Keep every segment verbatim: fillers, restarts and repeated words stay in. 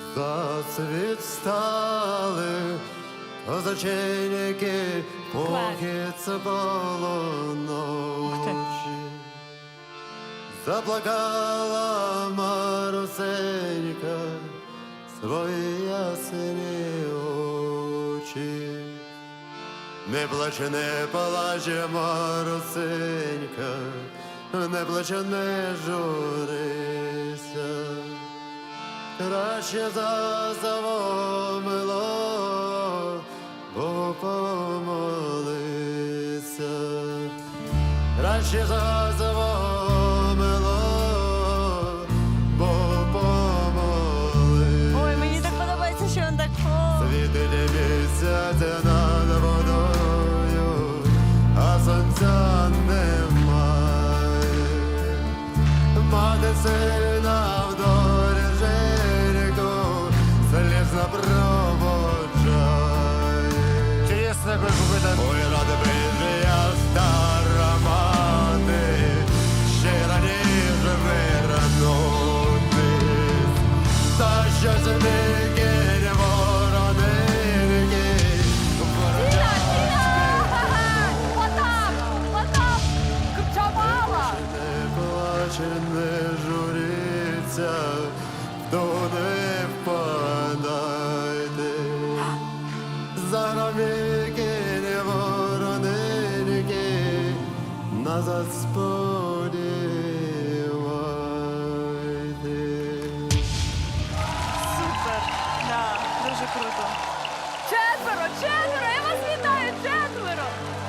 Засвіт стали козаченьки, поки це було ночі. Заплакала Марусенька свої ясні очі. Не плаче, не плаче, Марусенька, не плаче, не журися. Краще за завомило, бо помолися. Краще за завомило, бо помолися. Ой, мені так подобається, що він так о. Світилі місяця над водою, а сонця немає. Мати сина в доріженьку слізно проводжає. Чесно, як ви купите. Ой, рада би я стара мати, ще раніше вернутись. Та що зміки не воронинки, Тіна, Тіна! Потап! Потап! Джамала! не плаче, не журіться, туди впадайте. Заробіки не воронинки, назад сподівайте. Супер! Да, дуже круто. Четверо! Четверо! Я вас вітаю! Четверо!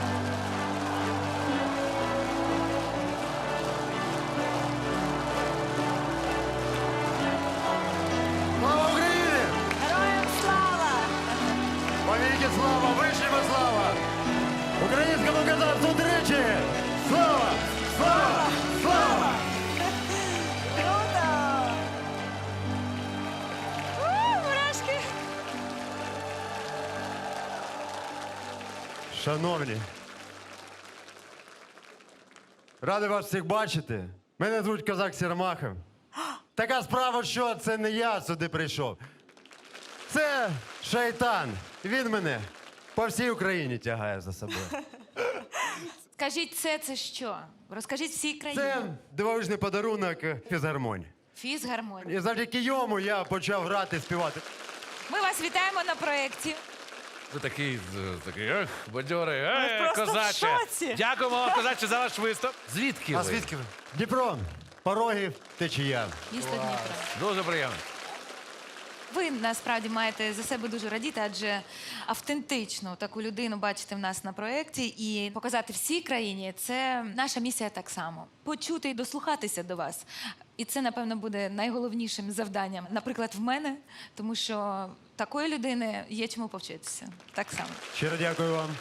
Слава Україні! Героям слава! Повіки слава, вишніма слава! Українському козацтву тричі! Слава! Слава! Слава! Круто! У, мурашки! Шановні, радий вас всіх бачити. Мене звуть Козак Сірмахов. Така справа, що це не я сюди прийшов. Це шайтан. Він мене по всій Україні тягає за собою. Скажіть, це це що? Розкажіть всій країні. Це дивовижний подарунок фізгармонії. Фізгармонія. І завдяки йому я почав грати, співати. Ми вас вітаємо на проєкті. Ви такий, з- такий, ех, бадьорий, Ми е, просто в козаче. шоці. Дякуємо вам, козаче, за ваш виступ. Звідки ви? ви? Дніпро, Порогів, Течія. Місто Дніпро. Дуже приємно. Ви насправді маєте за себе дуже радіти, адже автентичну таку людину бачити в нас на проєкті і показати всій країні – це наша місія так само. Почути і дослухатися до вас. І це, напевно, буде найголовнішим завданням, наприклад, в мене, тому що такої людини є чому повчитися. Так само. Щиро дякую вам.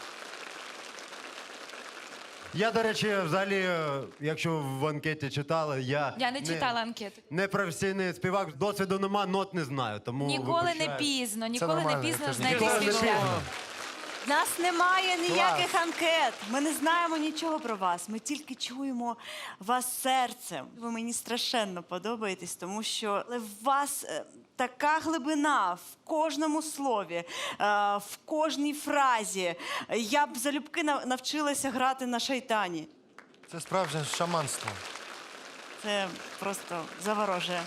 Я, до речі, взагалі, е, якщо в анкеті читали, я... Я не читала анкету. Не професійний співак, досвіду нема, нот не знаю, тому Ніколи не вибачаю. пізно, ніколи не нормально, пізно я теж знайти ніколи свій не шлях. пізно. В нас немає ніяких анкет. Ми не знаємо нічого про вас. Ми тільки чуємо вас серцем. Ви мені страшенно подобаєтесь, тому що в вас е, така глибина в кожному слові, е, в кожній фразі. Я б залюбки нав- навчилася грати на шайтані. Це справжнє шаманство. Це просто заворожує.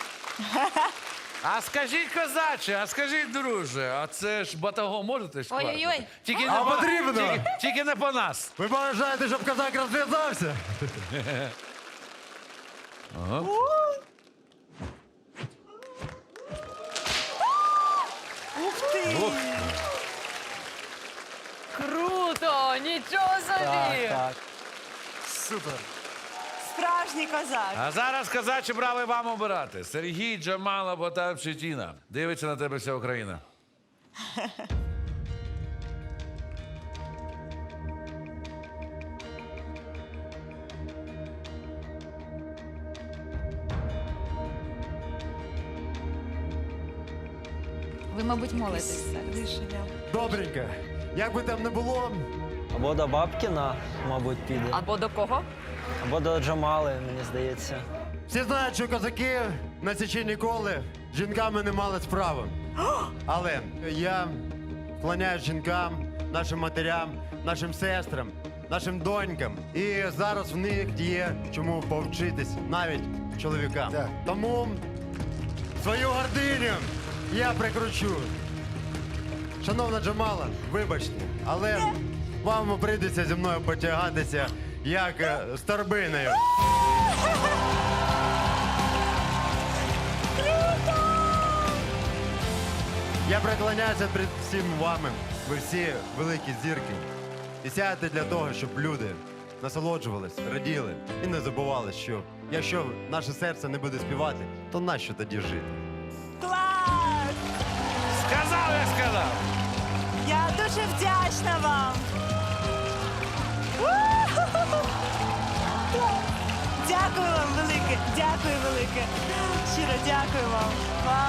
А скажіть, козаче, а скажіть, друже, а це ж батаго можете ж Ой-ой-ой. хватити? Тільки А не по- потрібно? Тільки, тільки не по нас. Ви бажаєте, щоб козак розв'язався? Ух ти! Круто! Нічого собі! Супер. Справжній козак. А зараз, козаче, брави вам обирати. Сергій, Джамала, Потап чи Тіна. Дивиться на тебе вся Україна. Ви, мабуть, молитесь зараз. Рішення. Добренько. Як би там не було, Або до Бабкіна, мабуть, піде. Або до кого? Або до Джамали, мені здається. всі знають, що козаки на січі ніколи з жінками не мали справи. Але я вклоняюсь жінкам, нашим матерям, нашим сестрам, нашим донькам. І зараз в них є чому повчитись навіть чоловікам. Так. Тому свою гординю я прикручу. Шановна Джамала, вибачте, але вам прийдеться зі мною потягатися як е, з торбиною. Я преклоняюся перед всім вами. Ви всі великі зірки. І сядете для того, щоб люди насолоджувались, раділи і не забували, що якщо наше серце не буде співати, то нащо тоді жити? Клас! Сказав, я сказав. Я дуже вдячна вам. У-ху-ху-ху. Дякую вам велике, дякую велике. Щиро дякую вам. Вау.